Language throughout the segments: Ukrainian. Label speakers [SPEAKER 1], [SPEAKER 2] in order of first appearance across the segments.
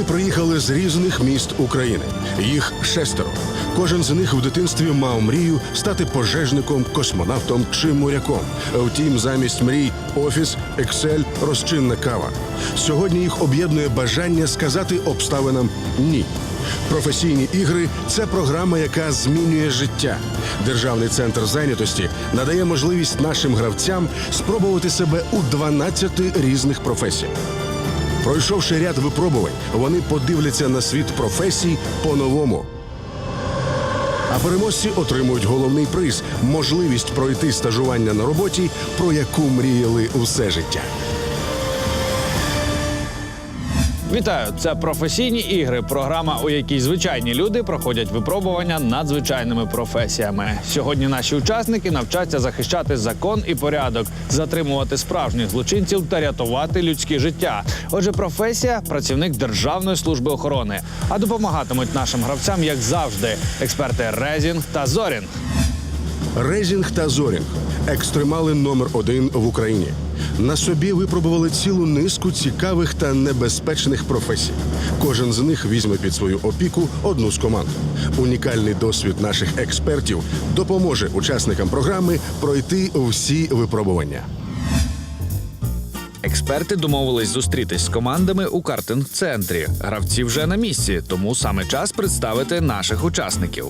[SPEAKER 1] Вони приїхали з різних міст України. Їх 6. Кожен з них в дитинстві мав мрію стати пожежником, космонавтом чи моряком. Втім, замість мрій – офіс, Excel, розчинна кава. Сьогодні їх об'єднує бажання сказати обставинам «ні». Професійні ігри – це програма, яка змінює життя. Державний центр зайнятості надає можливість нашим гравцям спробувати себе у 12 різних професіях. Пройшовши ряд випробувань, вони подивляться на світ професій по-новому. А переможці отримують головний приз – можливість пройти стажування на роботі, про яку мріяли усе життя.
[SPEAKER 2] Вітаю! Це «Професійні ігри» – програма, у якій звичайні люди проходять випробування над звичайними професіями. Сьогодні наші учасники навчаться захищати закон і порядок, затримувати справжніх злочинців та рятувати людське життя. Отже, професія – працівник Державної служби охорони. А допомагатимуть нашим гравцям, як завжди, експерти Резінг та Зорінг.
[SPEAKER 1] Резінг та Зорінг – екстремали номер 1 в Україні. На собі випробували цілу низку цікавих та небезпечних професій. Кожен з них візьме під свою опіку одну з команд. Унікальний досвід наших експертів допоможе учасникам програми пройти всі випробування.
[SPEAKER 2] Експерти домовились зустрітись з командами у картинг-центрі. Гравці вже на місці, тому саме час представити наших учасників.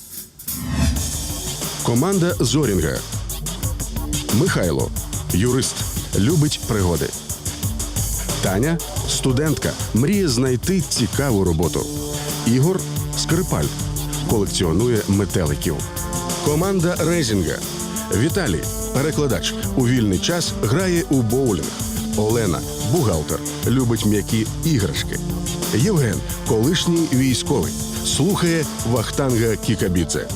[SPEAKER 1] Команда Зорінга. Михайло – юрист, любить пригоди. Таня – студентка, мріє знайти цікаву роботу. Ігор – скрипаль, колекціонує метеликів. Команда Резінга. Віталій – перекладач, у вільний час грає у боулінг. Олена – бухгалтер, любить м'які іграшки. Євген – колишній військовий, слухає Вахтанга Кікабідзе.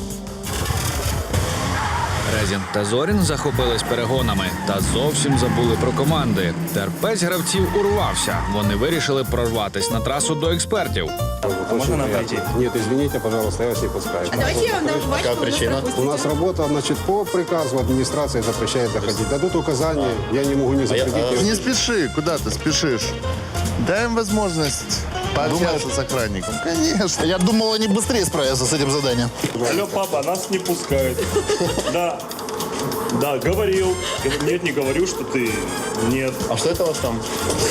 [SPEAKER 2] Резінг та Зорінг захопились перегонами та зовсім забули про команди. Терпець гравців урвався. Вони вирішили прорватись на трасу до експертів.
[SPEAKER 3] Можно нам пройти?
[SPEAKER 4] Нет, извините, пожалуйста, я вас не пускаю.
[SPEAKER 5] А давайте я вам дам жвачку.
[SPEAKER 3] Какая причина?
[SPEAKER 4] У нас работа, значит, по приказу администрации запрещает заходить. Дадут указания, я не могу не запретить.
[SPEAKER 6] Не спеши, куда ты спешишь? Дай им возможность пообщаться с охранником. Конечно. Я думал, они быстрее справятся с этим заданием.
[SPEAKER 7] Алло, папа, нас не пускают. Да. Да, говорил. Нет, не говорю, что ты. Нет.
[SPEAKER 6] А что это у вас там?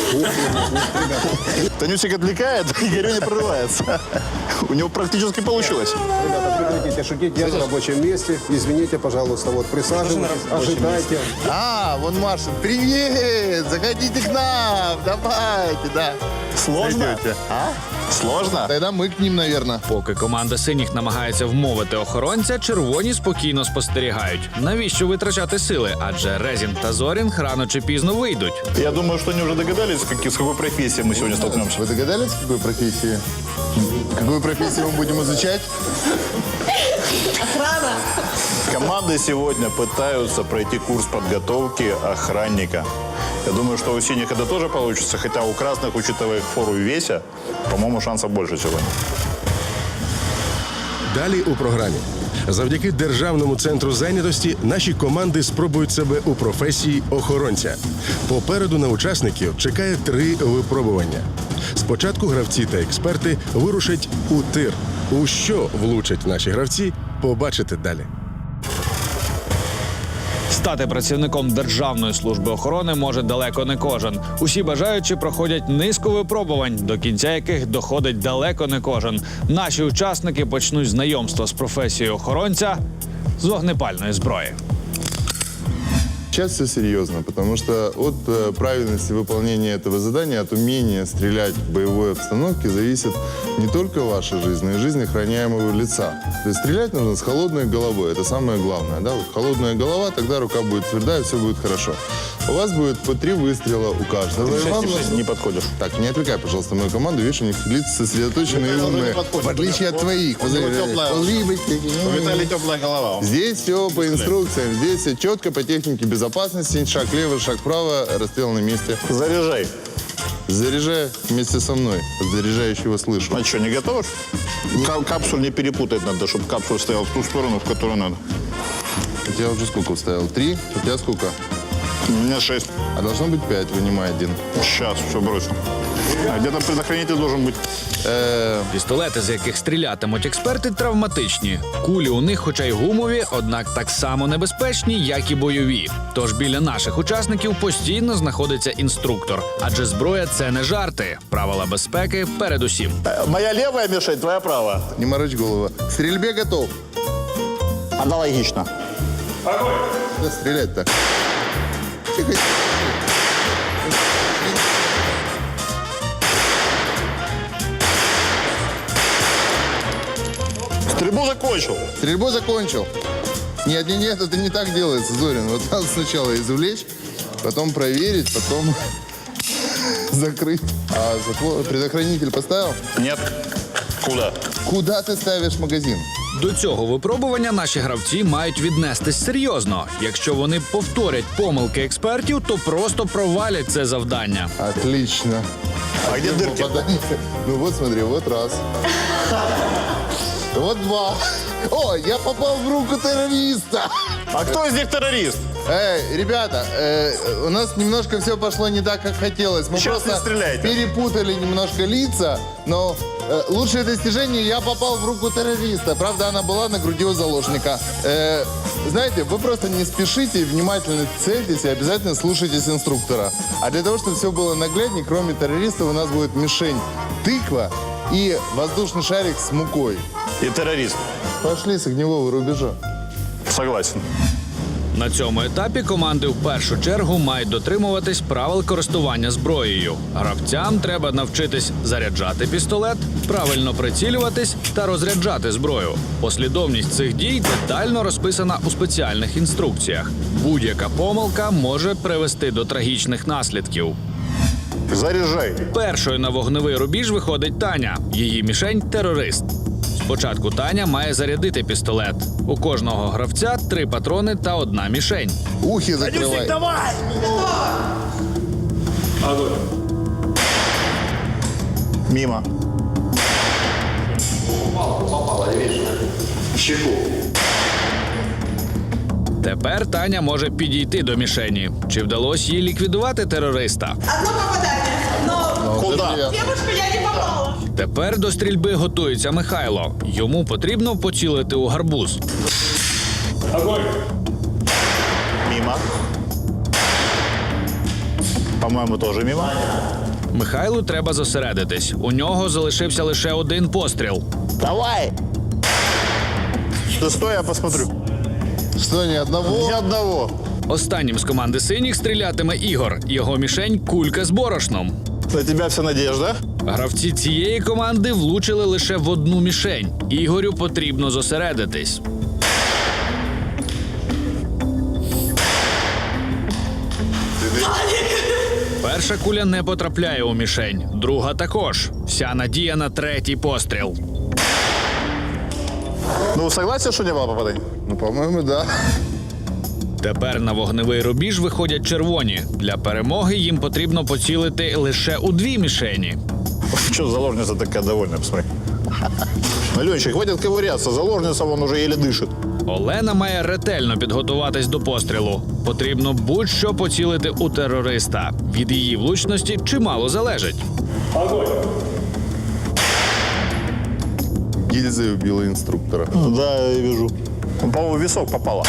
[SPEAKER 6] Танюсик отвлекает, Игорь не прорывается. У него практически получилось.
[SPEAKER 4] Ребята, прекратите шутить, я на рабочем месте. Извините, пожалуйста, вот присаживайтесь, ожидайте.
[SPEAKER 6] А, вон Маша. Привет! Заходите к нам. Давайте, да. Сложно? Зайдете. А? Сложно? Тогда мы к ним, наверное.
[SPEAKER 2] Поки команда синіх намагається вмовити охоронця, червоні спокійно спостерігають. Навіщо витрачати сили? Адже Резінг та Зорінг рано чи пізно вийдуть.
[SPEAKER 6] Я думаю, что они уже догадались, с какой профессией мы сегодня столкнемся. Вы догадались, с какой профессией? Какую профессию мы будем изучать?
[SPEAKER 5] Охрана.
[SPEAKER 6] Команды сегодня пытаются пройти курс подготовки охранника. Я думаю, что у синих это тоже получится, хотя у красных, учитывая их фору и веся, по-моему, шансов больше сегодня.
[SPEAKER 1] Далі у програмі. Завдяки Державному центру зайнятості наші команди спробують себе у професії охоронця. Попереду на учасників чекає 3 випробування. Спочатку гравці та експерти вирушать у тир. У що влучать наші гравці, побачите далі.
[SPEAKER 2] Стати працівником Державної служби охорони може далеко не кожен. Усі бажаючі проходять низку випробувань, до кінця яких доходить далеко не кожен. Наші учасники почнуть знайомство з професією охоронця з вогнепальної зброї.
[SPEAKER 8] Сейчас все серьезно, потому что от правильности выполнения этого задания, от умения стрелять в боевой обстановке зависит не только ваша жизнь, но и жизнь охраняемого лица. То есть стрелять нужно с холодной головой, это самое главное. Да? Вот холодная голова, тогда рука будет твердая, все будет хорошо. У вас будет по 3 выстрела у каждого. И вам
[SPEAKER 6] Не подходишь.
[SPEAKER 8] Так, не отвлекай, пожалуйста, мою команду. Видишь, у них лица сосредоточенные и умные. В отличие от твоих.
[SPEAKER 6] У Виталия теплая голова.
[SPEAKER 8] Здесь все по инструкциям. Здесь все четко по технике безопасности. Шаг влево, шаг вправо, расстрел на месте.
[SPEAKER 6] Заряжай.
[SPEAKER 8] Заряжай вместе со мной. От заряжающего слышу.
[SPEAKER 6] А что, не готовишь? Капсуль не перепутать надо, чтобы капсуль стоял в ту сторону, в которую надо.
[SPEAKER 8] У тебя уже сколько вставил? 3? У тебя сколько?
[SPEAKER 6] У меня 6.
[SPEAKER 8] А должно быть 5, вынимай один.
[SPEAKER 6] Сейчас, все бросил. А где-то предохранитель должен быть.
[SPEAKER 2] Пістолети, з яких стрілятимуть експерти, травматичні. Кулі у них, хоча й гумові, однак так само небезпечні, як і бойові. Тож біля наших учасників постійно знаходиться інструктор. Адже зброя – це не жарти. Правила безпеки передусім.
[SPEAKER 6] Моя левая мишень, твоя правая.
[SPEAKER 8] Не морочь голову. К стрельбе готов.
[SPEAKER 6] Аналогично.
[SPEAKER 8] Да стрелять-то. Тихо.
[SPEAKER 6] Стрельбу закончил.
[SPEAKER 8] Стрельбу закончил. Нет, это не так делается, Зорин. Вот надо сначала извлечь, потом проверить, потом закрыть. А предохранитель поставил?
[SPEAKER 6] Нет. Куда?
[SPEAKER 8] Куда ты ставишь магазин?
[SPEAKER 2] До цього випробування наші гравці мають віднестись серйозно. Якщо вони повторять помилки експертів, то просто провалять це завдання.
[SPEAKER 8] Отлично.
[SPEAKER 6] А где дырки?
[SPEAKER 8] Попадание. Ну вот смотри, вот раз. Вот два. О, я попал в руку террориста.
[SPEAKER 6] А кто из них террорист?
[SPEAKER 8] Ребята, у нас немножко все пошло не так, как хотелось. Мы
[SPEAKER 6] Сейчас не
[SPEAKER 8] просто
[SPEAKER 6] стреляйте.
[SPEAKER 8] перепутали немножко лица, но лучшее достижение — я попал в руку террориста. Правда, она была на груди у заложника. Знаете, вы просто не спешите, внимательно цельтесь и обязательно слушайтесь инструктора. А для того, чтобы все было нагляднее, кроме террористов, у нас будет мишень тыква и воздушный шарик с мукой.
[SPEAKER 6] И террорист.
[SPEAKER 8] Пошли с огневого рубежа.
[SPEAKER 6] Согласен.
[SPEAKER 2] На цьому етапі команди в першу чергу мають дотримуватись правил користування зброєю. Гравцям треба навчитись заряджати пістолет, правильно прицілюватись та розряджати зброю. Послідовність цих дій детально розписана у спеціальних інструкціях. Будь-яка помилка може привести до трагічних наслідків.
[SPEAKER 6] Заряжай.
[SPEAKER 2] Першою на вогневий рубіж виходить Таня. Її мішень – терорист. Спочатку Таня має зарядити пістолет. У кожного гравця 3 патрони та 1 мішень.
[SPEAKER 8] Ухи закрывай.
[SPEAKER 6] Давай! Мимо.
[SPEAKER 2] Тепер Таня може підійти до мішені. Чи вдалося їй ліквідувати терориста?
[SPEAKER 3] Одно попадание, но
[SPEAKER 6] Куда?
[SPEAKER 3] девушку я не попала.
[SPEAKER 2] Тепер до стрільби готується Михайло. Йому потрібно поцілити у гарбуз.
[SPEAKER 6] Мимо. По-моему, тоже мимо.
[SPEAKER 2] Михайлу треба зосередитись. У нього залишився лише 1 постріл.
[SPEAKER 6] Давай! Ты стой, я посмотрю.
[SPEAKER 8] Что, ни одного?
[SPEAKER 6] Ни одного.
[SPEAKER 2] Останнім з команди синіх стрілятиме Ігор. Його мішень – кулька з борошном.
[SPEAKER 6] На тебя вся надежда.
[SPEAKER 2] Гравці цієї команди влучили лише в 1 мішень. Ігорю потрібно зосередитись. Перша куля не потрапляє у мішень, друга також. Вся надія на 3-й постріл.
[SPEAKER 6] Ну, согласен, что не было попаданий?
[SPEAKER 8] Ну, по-моему, да.
[SPEAKER 2] Тепер на вогневий рубіж виходять червоні. Для перемоги їм потрібно поцілити лише у 2 мішені.
[SPEAKER 6] Что заложница такая довольная, посмотри. Аленчик, хватит ковыряться, заложница вон уже еле дышит.
[SPEAKER 2] Олена має ретельно підготуватись до пострілу. Потрібно будь-що поцілити у терориста. Від її влучності чимало залежить.
[SPEAKER 8] Гильзой убила инструктора.
[SPEAKER 6] Да, я вижу. Ну, по-моему, в висок попала.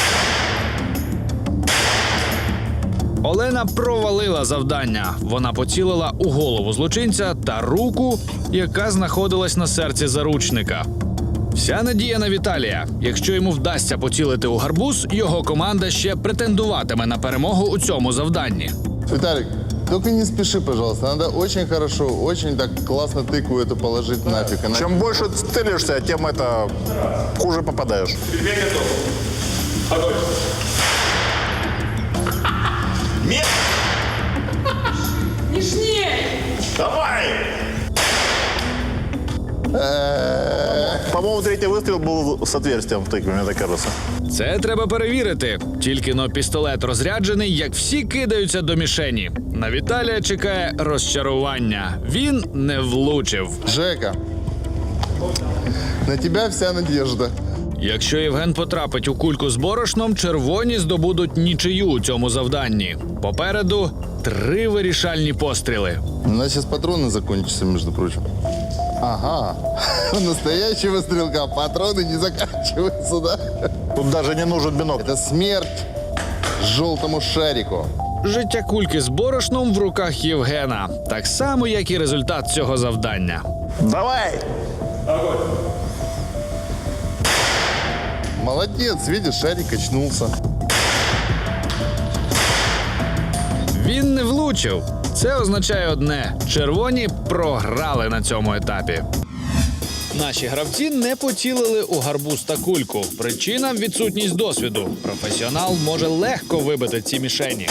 [SPEAKER 2] Олена провалила завдання. Вона поцілила у голову злочинця та руку, яка знаходилась на серці заручника. Вся надія на Віталія. Якщо йому вдасться поцілити у гарбуз, його команда ще претендуватиме на перемогу у цьому завданні.
[SPEAKER 8] Виталик, только не спеши, пожалуйста. Надо очень хорошо, очень так классно тыкву эту положить нафиг. Она-
[SPEAKER 6] Чем больше целишься, тем это хуже попадаешь.
[SPEAKER 3] Нежнее.
[SPEAKER 6] Давай! По-моему, 3-й выстрел был с отверстием в тыкве, мне так кажется.
[SPEAKER 2] Це треба перевірити. Тільки но пістолет розряджений, як всі кидаються до мішені. На Віталія чекає розчарування. Він не влучив.
[SPEAKER 8] Жека, на тебя вся надежда.
[SPEAKER 2] Якщо Євген потрапить у кульку з борошном, червоні здобудуть нічию у цьому завданні. Попереду 3 вирішальні постріли.
[SPEAKER 8] У нас сейчас патроны закончатся, между прочим. Ага. У настоящего стрелка патроны не заканчиваются, да?
[SPEAKER 6] Тут даже не нужен бинокль.
[SPEAKER 8] Это смерть желтому шарику.
[SPEAKER 2] Життя кульки з борошном в руках Євгена. Так само, як і результат цього завдання.
[SPEAKER 6] Давай!
[SPEAKER 8] Молодец, видишь, шарик очнулся.
[SPEAKER 2] Він не влучив. Це означає одне – червоні програли на цьому етапі. Наші гравці не поцілили у гарбуз та кульку. Причина – відсутність досвіду. Професіонал може легко вибити ці мішені.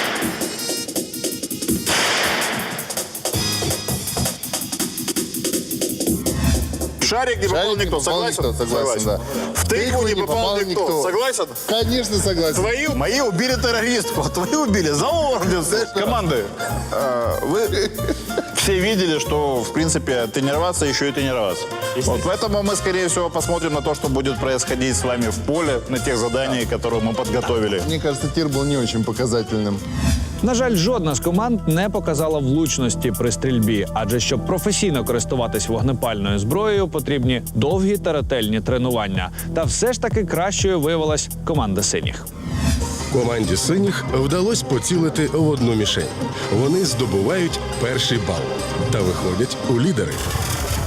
[SPEAKER 6] Шарик не попал никто, согласен?
[SPEAKER 8] Согласен, да.
[SPEAKER 6] В тыкву не попал никто, согласен?
[SPEAKER 8] Конечно, согласен.
[SPEAKER 6] Мои убили террористку, а твои убили за орден команды. Вы все видели, что, в принципе, тренироваться еще и тренироваться. Вот поэтому мы, скорее всего, посмотрим на то, что будет происходить с вами в поле, на тех заданиях, которые мы подготовили.
[SPEAKER 8] Мне кажется, тир был не очень показательным.
[SPEAKER 2] На жаль, жодна з команд не показала влучності при стрільбі, адже щоб професійно користуватись вогнепальною зброєю, потрібні довгі та ретельні тренування. Та все ж таки кращою виявилась команда синіх.
[SPEAKER 1] Команді синіх вдалося поцілити в одну мішень. Вони здобувають перший бал та виходять у лідери.